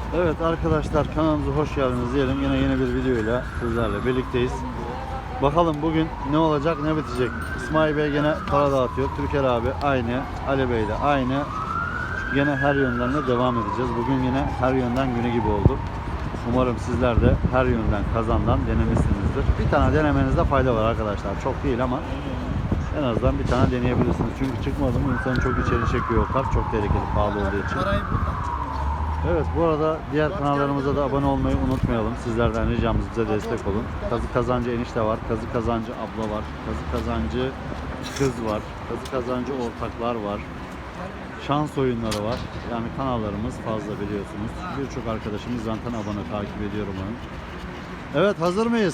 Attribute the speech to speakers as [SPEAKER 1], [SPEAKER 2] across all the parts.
[SPEAKER 1] Evet arkadaşlar, kanalımıza hoş geldiniz diyelim. Yine yeni bir videoyla sizlerle birlikteyiz. Bakalım bugün ne olacak, ne bitecek. İsmail Bey gene para dağıtıyor. Türker abi aynı. Ali Bey de aynı. Gene her yönden de devam edeceğiz. Bugün yine her yönden günü gibi oldu. Umarım sizler de her yönden kazandan denemişsinizdir. Bir tane denemenizde fayda var arkadaşlar. Çok değil ama en azından bir tane deneyebilirsiniz. Çünkü çıkmadı mı insanı çok içeri çekiyor o kart. Çok tehlikeli, pahalı olduğu için. Evet, bu arada diğer kanallarımıza da abone olmayı unutmayalım. Sizlerden ricamız, bize destek olun. Kazı Kazancı enişte var, Kazı Kazancı abla var, Kazı Kazancı kız var, Kazı Kazancı ortaklar var. Şans oyunları var. Yani kanallarımız fazla biliyorsunuz. Birçok arkadaşımız zaten abone, takip ediyorum onu. Evet, hazır mıyız?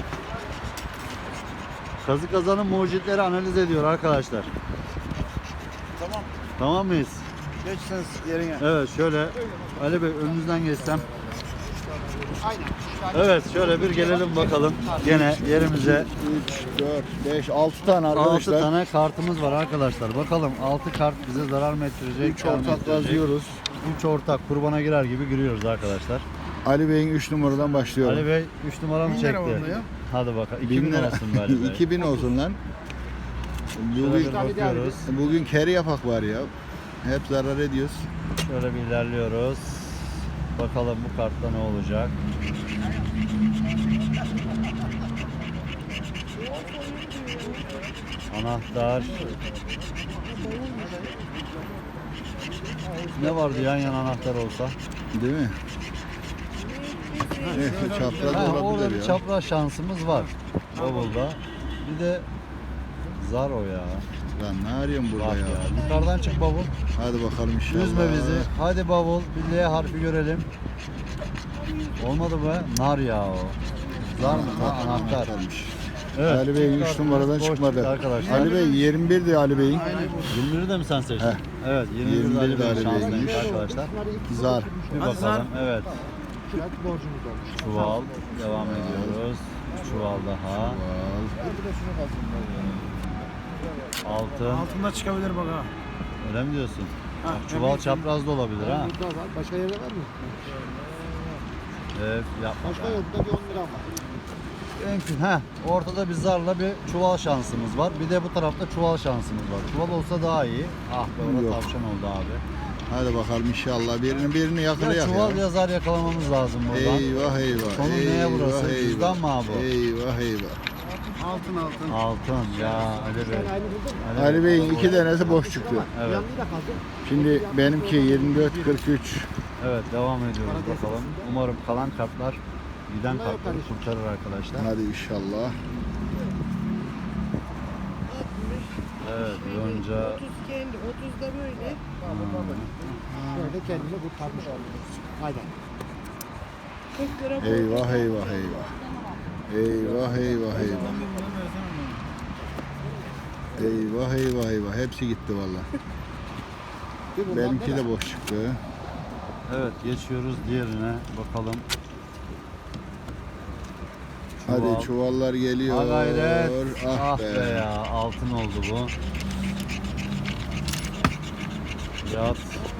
[SPEAKER 1] Kazı Kazan'ın mucitleri analiz ediyor arkadaşlar.
[SPEAKER 2] Tamam.
[SPEAKER 1] Tamam mıyız?
[SPEAKER 2] Geçseniz yerine.
[SPEAKER 1] Evet, şöyle Ali Bey önünüzden geçsem.
[SPEAKER 2] Aynen.
[SPEAKER 1] Evet, şöyle bir gelelim bakalım. Gene yerimize
[SPEAKER 2] 3, 4, 5, 6 tane
[SPEAKER 1] 6
[SPEAKER 2] arkadaşlar.
[SPEAKER 1] tane kartımız var arkadaşlar. Bakalım 6 kart bize zarar mı ettirecek?
[SPEAKER 2] 3 ortak yazıyoruz.
[SPEAKER 1] 3 ortak kurbana girer gibi giriyoruz arkadaşlar.
[SPEAKER 2] Ali Bey'in 3 numaradan başlıyorum.
[SPEAKER 1] Ali Bey 3 numara mı
[SPEAKER 3] 1000 lira
[SPEAKER 1] çekti?
[SPEAKER 3] oldu ya.
[SPEAKER 1] Hadi bakalım.
[SPEAKER 2] 1000
[SPEAKER 1] 2000
[SPEAKER 2] lira.
[SPEAKER 1] olsun be Ali Bey.
[SPEAKER 2] 2000 olsun lan.
[SPEAKER 1] Şöyle
[SPEAKER 2] Bugün,
[SPEAKER 1] bir bakıyoruz.
[SPEAKER 2] bugün keri yapak var ya. Hep zarar ediyoruz.
[SPEAKER 1] Şöyle bir ilerliyoruz. Bakalım bu kartta ne olacak? Anahtar. Ne vardı yan yana anahtar olsa?
[SPEAKER 2] Değil mi? Neyse çapraz
[SPEAKER 1] Ha, orada
[SPEAKER 2] olabilir
[SPEAKER 1] bir
[SPEAKER 2] ya.
[SPEAKER 1] çapraz şansımız var. Bavulda. Bir de zar o ya.
[SPEAKER 2] Lan ne arıyorsun burada
[SPEAKER 1] Bak
[SPEAKER 2] ya?
[SPEAKER 1] ya. Yukarıdan çık bavul.
[SPEAKER 2] Hadi bakalım inşallah.
[SPEAKER 1] Üzme bizi. Hadi bavul. Bir L harfi görelim. Olmadı be. Nar ya o. Zar mı? Ha, anahtar.
[SPEAKER 2] Anahtarmış.
[SPEAKER 1] Evet.
[SPEAKER 2] Ali Bey 3
[SPEAKER 1] Kartımız
[SPEAKER 2] numaradan
[SPEAKER 1] boş
[SPEAKER 2] çıkmadı.
[SPEAKER 1] çıktı arkadaşlar.
[SPEAKER 2] Ali Bey 21'di Ali Bey'in.
[SPEAKER 1] 21'i de mi sen seçtin?
[SPEAKER 2] Heh.
[SPEAKER 1] Evet. 21'de Ali
[SPEAKER 2] 21'de
[SPEAKER 1] Bey'in
[SPEAKER 2] Ali
[SPEAKER 1] şanslıymış
[SPEAKER 2] Bey'miş.
[SPEAKER 1] arkadaşlar.
[SPEAKER 2] Zar.
[SPEAKER 1] Bir bakalım. Evet. Çuval. Devam ediyoruz. Çuval daha.
[SPEAKER 2] Al.
[SPEAKER 1] Altın.
[SPEAKER 3] Altında çıkabilir bak ha.
[SPEAKER 1] Öyle mi diyorsun?
[SPEAKER 3] Ha,
[SPEAKER 1] Çuval
[SPEAKER 3] evet.
[SPEAKER 1] çapraz da olabilir ha.
[SPEAKER 4] Burada var. Başka yerde var mı?
[SPEAKER 1] Evet, yapma.
[SPEAKER 4] Başka yok. Burada bir 10 lira var.
[SPEAKER 1] Mümkün. Ortada bir zarla bir çuval şansımız var. Bir de bu tarafta çuval şansımız var. Çuval olsa daha iyi. Ah be, orada
[SPEAKER 2] Yok.
[SPEAKER 1] tavşan oldu abi.
[SPEAKER 2] Hadi bakalım inşallah birini
[SPEAKER 1] Ya
[SPEAKER 2] yakalayak
[SPEAKER 1] çuval
[SPEAKER 2] ya.
[SPEAKER 1] ya zar yakalamamız lazım buradan.
[SPEAKER 2] Eyvah eyvah.
[SPEAKER 1] Sonu neye burası? Cüzdan mı abi bu?
[SPEAKER 2] Eyvah eyvah.
[SPEAKER 3] Altın.
[SPEAKER 1] Altın ya Ali Bey.
[SPEAKER 4] Aynı burada mı?
[SPEAKER 2] Ali Bey'in 2 tanesi boş çıktı.
[SPEAKER 1] Evet.
[SPEAKER 4] Yanında kaldı.
[SPEAKER 2] Şimdi benimki 24 43.
[SPEAKER 1] Evet, devam ediyoruz bakalım. Umarım kalan kartlar giden kartları kurtarır arkadaşlar.
[SPEAKER 2] Hadi inşallah.
[SPEAKER 1] Evet, önce
[SPEAKER 5] 30 kendi, 30 da böyle.
[SPEAKER 4] Böyle kendini kurtarmış oluyoruz. Aynen.
[SPEAKER 5] 40 lira bu.
[SPEAKER 2] Eyvah eyvah eyvah. Eyvah eyvah eyvah. Eyvah eyvah eyvah. Hepsi gitti valla.
[SPEAKER 4] Bir bundan
[SPEAKER 2] Benimki
[SPEAKER 4] böyle.
[SPEAKER 2] de boş çıktı.
[SPEAKER 1] evet geçiyoruz diğerine bakalım.
[SPEAKER 2] Hadi çuvallar geliyor.
[SPEAKER 1] Ha gayret.
[SPEAKER 2] Ah,
[SPEAKER 1] Ah be ya, altın oldu bu. Yat.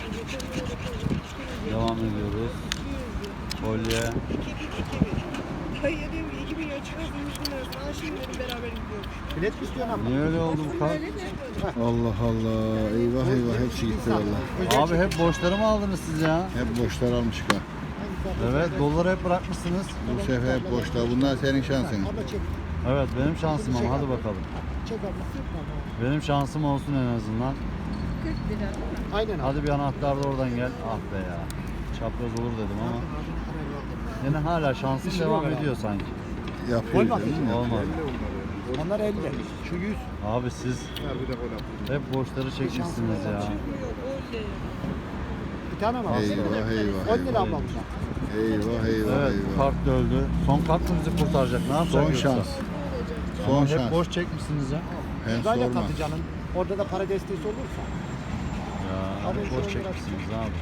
[SPEAKER 1] Devam ediyoruz. Kolye.
[SPEAKER 5] Hayır diyorum ki 2000 lira çıkartmış bunlar. Aa şimdi dedim beraber gidiyormuş.
[SPEAKER 4] Bilet mi istiyorsun ama?
[SPEAKER 1] Niye öyle oldu bu kart?
[SPEAKER 2] Allah Allah. Eyvah eyvah hepsi gitti valla.
[SPEAKER 1] Abi hep borçları mı aldınız siz ya?
[SPEAKER 2] Hep boşlar almışık ha.
[SPEAKER 1] Evet, doları hep bırakmışsınız.
[SPEAKER 2] Bu sefer hep boşlar. Bunlar senin şansın.
[SPEAKER 4] Abla çek.
[SPEAKER 1] Evet, benim şansım ama hadi bakalım.
[SPEAKER 4] Çek abla.
[SPEAKER 1] Benim şansım olsun en azından.
[SPEAKER 5] 40 lira.
[SPEAKER 4] Aynen abi.
[SPEAKER 1] Hadi bir anahtar da oradan gel. Ah be ya. Çapraz olur dedim ama. Yine hala şansım devam ediyor sanki.
[SPEAKER 2] Yapıyor
[SPEAKER 4] Olmaz
[SPEAKER 2] değil mi?
[SPEAKER 1] Olmadı.
[SPEAKER 4] Onlar 50. Şu 100.
[SPEAKER 1] Abi siz hep borçları çekmişsiniz ya.
[SPEAKER 4] Bir tane mi?
[SPEAKER 2] Eyvah eyvah
[SPEAKER 4] 10 lira abla
[SPEAKER 2] eyvah.
[SPEAKER 4] bunlar.
[SPEAKER 2] Eyvah eyvah
[SPEAKER 1] Evet,
[SPEAKER 2] eyvah.
[SPEAKER 1] kart da öldü. Son kart mı bizi kurtaracak? Ne yapacak
[SPEAKER 2] Son
[SPEAKER 1] yoksa?
[SPEAKER 2] şans.
[SPEAKER 1] Ama
[SPEAKER 2] Son
[SPEAKER 1] hep
[SPEAKER 2] şans.
[SPEAKER 1] borç çekmişsiniz ya.
[SPEAKER 2] Hem
[SPEAKER 4] Sırayla
[SPEAKER 2] sorma.
[SPEAKER 4] katı canım. Orada da para desteği olursa.
[SPEAKER 1] Ya
[SPEAKER 4] Abi
[SPEAKER 1] hep
[SPEAKER 4] şu
[SPEAKER 1] borç
[SPEAKER 4] an
[SPEAKER 1] çekmişsiniz abi.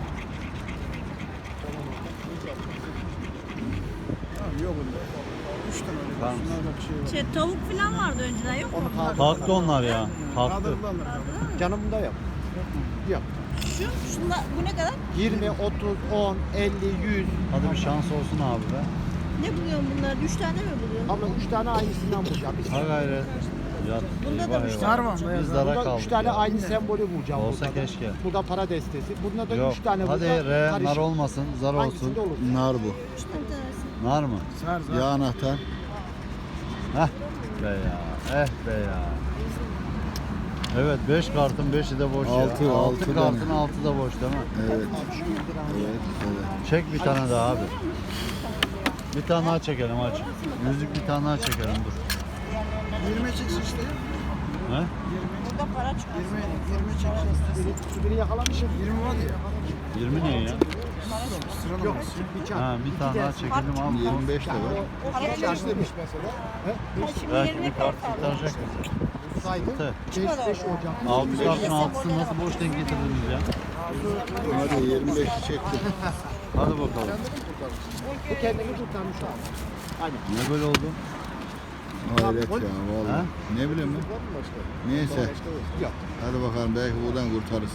[SPEAKER 3] Yok bunda. 3 tane öyle.
[SPEAKER 1] Tamam.
[SPEAKER 3] Şunlarda bir şey var.
[SPEAKER 5] Tavuk falan vardı önceden yok mu?
[SPEAKER 4] Onu kaldır.
[SPEAKER 1] Kalktı onlar ya. Kalktı.
[SPEAKER 3] Kaldırdılar.
[SPEAKER 4] Canım da yok. Yok.
[SPEAKER 6] Şunlar bu ne kadar?
[SPEAKER 4] 20, 30, 10, 50, 100.
[SPEAKER 1] Hadi bir şans olsun abi be.
[SPEAKER 6] Ne buluyorsun bunlar? 3 tane mi buluyorsun?
[SPEAKER 4] Abla 3 tane aynısından bulacağım.
[SPEAKER 1] Ha gayret. Ya,
[SPEAKER 6] Bunda da
[SPEAKER 1] eyvah
[SPEAKER 6] üç
[SPEAKER 1] eyvah.
[SPEAKER 3] tane var mı?
[SPEAKER 1] Biz
[SPEAKER 3] Beyaz.
[SPEAKER 1] zara
[SPEAKER 4] Burada
[SPEAKER 1] kaldık
[SPEAKER 4] 3 tane
[SPEAKER 1] ya.
[SPEAKER 4] aynı sembolü bulacağım.
[SPEAKER 1] Olsa
[SPEAKER 4] burada da.
[SPEAKER 1] keşke.
[SPEAKER 4] Burada para destesi. Bunda da
[SPEAKER 1] Yok.
[SPEAKER 4] 3 tane
[SPEAKER 1] Hadi
[SPEAKER 4] burada
[SPEAKER 1] R, nar
[SPEAKER 4] karışık.
[SPEAKER 1] olmasın, zar olsun.
[SPEAKER 4] Hangisinde olur?
[SPEAKER 2] Nar bu.
[SPEAKER 6] 3 tane tanesi.
[SPEAKER 1] Nar mı?
[SPEAKER 3] Sar sar.
[SPEAKER 2] Ya anahtar.
[SPEAKER 1] Heh be ya. Be ya. Evet 5 kartın 5'i de boş ya.
[SPEAKER 2] Altı,
[SPEAKER 1] 6
[SPEAKER 2] altı
[SPEAKER 1] kartın
[SPEAKER 2] tane.
[SPEAKER 1] 6 da boş değil mi?
[SPEAKER 2] Evet. Evet.
[SPEAKER 1] Çek bir tane daha abi. Bir tane daha çekelim aç. Yüzük bir tane daha çekelim dur.
[SPEAKER 3] 20 çıksın işte.
[SPEAKER 1] He?
[SPEAKER 6] Burada para çıkıyor.
[SPEAKER 3] 20 çıksın.
[SPEAKER 4] Şu biri yakalamışım.
[SPEAKER 3] 20 var ya.
[SPEAKER 1] 20 ne ya?
[SPEAKER 3] Sıralama.
[SPEAKER 4] Bir can.
[SPEAKER 1] Ha bir tane daha çekelim abi.
[SPEAKER 2] 25 de var.
[SPEAKER 4] Para çalıştırmış mesela.
[SPEAKER 6] Şimdi
[SPEAKER 1] Belki
[SPEAKER 6] 20
[SPEAKER 1] bir kart kurtaracak bizi.
[SPEAKER 4] Saydım.
[SPEAKER 1] Tı.
[SPEAKER 4] 5 Ocak.
[SPEAKER 1] 6 kartın 6'sını nasıl boş denk getirdiniz ya?
[SPEAKER 2] Hadi 25'i çektim.
[SPEAKER 1] Hadi bakalım.
[SPEAKER 4] Bu kendini kurtarmış abi. Aynen.
[SPEAKER 1] Ne böyle oldu?
[SPEAKER 2] Hayret ya
[SPEAKER 1] Ha?
[SPEAKER 2] vallahi. Ne bileyim ben. Neyse. Hadi bakalım belki buradan kurtarırız.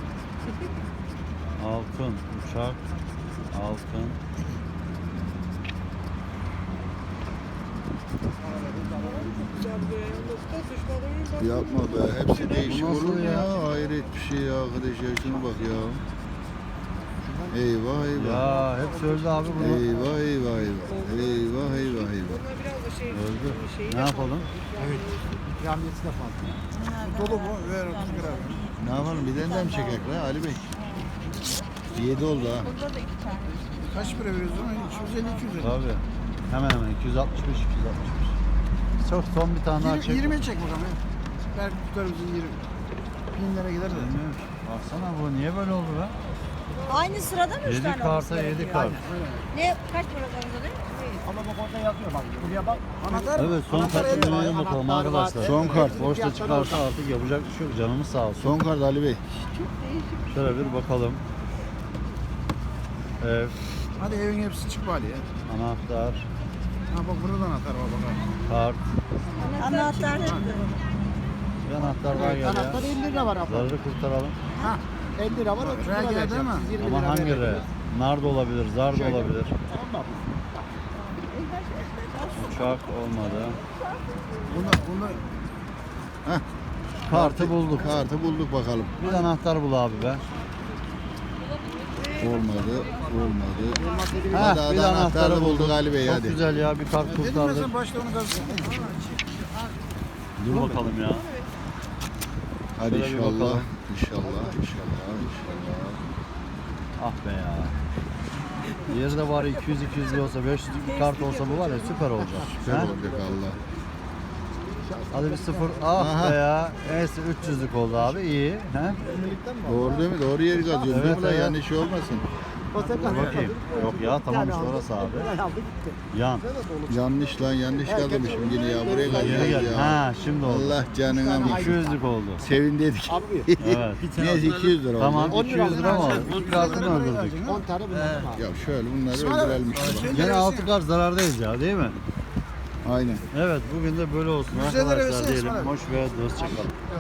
[SPEAKER 1] Altın, uçak, altın.
[SPEAKER 2] Yapma be. Hepsi değişik
[SPEAKER 1] nasıl
[SPEAKER 2] olur mu
[SPEAKER 1] ya?
[SPEAKER 2] ya? Hayret bir şey ya arkadaşlar. Şuna bak ya. Eyvah eyvah.
[SPEAKER 1] Ya hep söyledi abi bunu.
[SPEAKER 2] Eyvah eyvah eyvah. Eyvah eyvah eyvah.
[SPEAKER 5] Bunlar biraz da şey.
[SPEAKER 1] Öldü.
[SPEAKER 5] Şeyi
[SPEAKER 1] Ne yapalım?
[SPEAKER 4] İkramiyesi de fazla.
[SPEAKER 3] Dolu bu. Ver 30 gram.
[SPEAKER 2] Ne yapalım? Bir tane daha mı çekek be Ali Bey? 7 oldu ha.
[SPEAKER 6] Burada da 2 tane.
[SPEAKER 3] Kaç para veriyoruz ona? 250 250.
[SPEAKER 1] Tabii. Hemen hemen 265 265. Çok son bir tane daha çek.
[SPEAKER 3] 20 çek bakalım. ya. Belki tutar bizi 20. 1000 lira gider de.
[SPEAKER 1] Bilmiyorum. Baksana bu niye böyle oldu be?
[SPEAKER 6] Aynı sırada mı 3
[SPEAKER 1] 7
[SPEAKER 6] tane
[SPEAKER 1] karta
[SPEAKER 6] olması
[SPEAKER 1] 7
[SPEAKER 6] gerekiyor?
[SPEAKER 1] kart.
[SPEAKER 6] Ne? Kaç para kazanıyor?
[SPEAKER 4] Ama bak orada yazıyor bak. Buraya bak.
[SPEAKER 3] Anahtar
[SPEAKER 1] Evet son
[SPEAKER 4] Anahtar
[SPEAKER 1] kartı
[SPEAKER 4] elde var,
[SPEAKER 1] deneyelim bakalım
[SPEAKER 4] anahtar var.
[SPEAKER 1] arkadaşlar.
[SPEAKER 2] Son kart.
[SPEAKER 1] Boşta çıkarsa artık yapacak bir şey yok. Canımız sağ olsun.
[SPEAKER 2] Son kart Ali Bey.
[SPEAKER 1] Şöyle bir bakalım. Ev,
[SPEAKER 3] Hadi evin hepsi çık bari ya.
[SPEAKER 1] anahtar,
[SPEAKER 3] Ha bak burada da anahtar var bak.
[SPEAKER 1] kart.
[SPEAKER 6] Anahtar.
[SPEAKER 1] Bir anahtar daha geldi
[SPEAKER 4] Anahtar
[SPEAKER 1] ya.
[SPEAKER 4] 50 lira var abla.
[SPEAKER 1] Zararı kurtaralım.
[SPEAKER 4] Ha 50 lira var 30
[SPEAKER 3] Buraya
[SPEAKER 4] lira
[SPEAKER 3] geldi
[SPEAKER 4] vereceğim.
[SPEAKER 3] ama.
[SPEAKER 4] Siz 20
[SPEAKER 1] Ama
[SPEAKER 4] lira
[SPEAKER 1] hangi
[SPEAKER 4] vereceksiniz.
[SPEAKER 1] re? Nar da olabilir, zar da
[SPEAKER 4] Şöyle.
[SPEAKER 1] olabilir.
[SPEAKER 4] Tamam mı?
[SPEAKER 1] Uçak olmadı.
[SPEAKER 3] Bunu
[SPEAKER 1] Kartı bulduk.
[SPEAKER 2] Kartı bulduk bakalım.
[SPEAKER 1] Bir anahtar bul abi be.
[SPEAKER 2] Olmadı. Olmadı.
[SPEAKER 1] Heh,
[SPEAKER 2] Hadi
[SPEAKER 1] bir de
[SPEAKER 2] anahtarı bulduk Ali Bey
[SPEAKER 1] Çok
[SPEAKER 2] hadi.
[SPEAKER 1] güzel ya bir kart
[SPEAKER 3] dedim ya
[SPEAKER 1] kurtardık.
[SPEAKER 3] sen başta onu gazete.
[SPEAKER 1] Dur bakalım ya.
[SPEAKER 2] Hadi
[SPEAKER 1] Şöyle bir
[SPEAKER 2] inşallah.
[SPEAKER 1] bakalım.
[SPEAKER 2] İnşallah. İnşallah. İnşallah.
[SPEAKER 1] Ah be ya. Diğeri de bari 200-200 lira olsa 500 bir kart olsa bu var ya süper olacak.
[SPEAKER 2] Süper
[SPEAKER 1] Ha?
[SPEAKER 2] olacak Allah.
[SPEAKER 1] Hadi bir sıfır. Ah
[SPEAKER 2] Aha.
[SPEAKER 1] be ya. Neyse 300'lük oldu abi iyi. He?
[SPEAKER 2] Doğru değil mi? Doğru yeri kazıyorsun değil
[SPEAKER 1] Evet,
[SPEAKER 2] mi lan?
[SPEAKER 1] evet.
[SPEAKER 2] Yanlış olmasın.
[SPEAKER 4] O sefer
[SPEAKER 1] Bakayım. Yok ya tamam işte orası abi.
[SPEAKER 4] Aldı gitti.
[SPEAKER 1] Yan.
[SPEAKER 2] Yanlış lan yanlış kazımışım yine ya. Buraya
[SPEAKER 1] Geri
[SPEAKER 2] kazıyoruz
[SPEAKER 1] gel.
[SPEAKER 2] ya.
[SPEAKER 1] Ha şimdi oldu.
[SPEAKER 2] Allah canına mı?
[SPEAKER 1] 200'lük oldu.
[SPEAKER 2] Sevindedik.
[SPEAKER 4] Abi
[SPEAKER 1] Evet.
[SPEAKER 2] Neyse 200 lira oldu.
[SPEAKER 1] Tamam
[SPEAKER 4] 10 lira
[SPEAKER 1] 200 lira mı oldu? İlk kartını öldürdük.
[SPEAKER 4] 10 tane bunlardan abi.
[SPEAKER 2] Ya şöyle bunları öldürelim işte.
[SPEAKER 1] Gene 6 kart zarardayız ya değil mi?
[SPEAKER 2] Aynen.
[SPEAKER 1] Evet bugün de böyle olsun
[SPEAKER 3] 100 lira
[SPEAKER 1] arkadaşlar
[SPEAKER 3] versene
[SPEAKER 1] diyelim.
[SPEAKER 3] İsmail abi.
[SPEAKER 1] Hoş ve dostça kalın.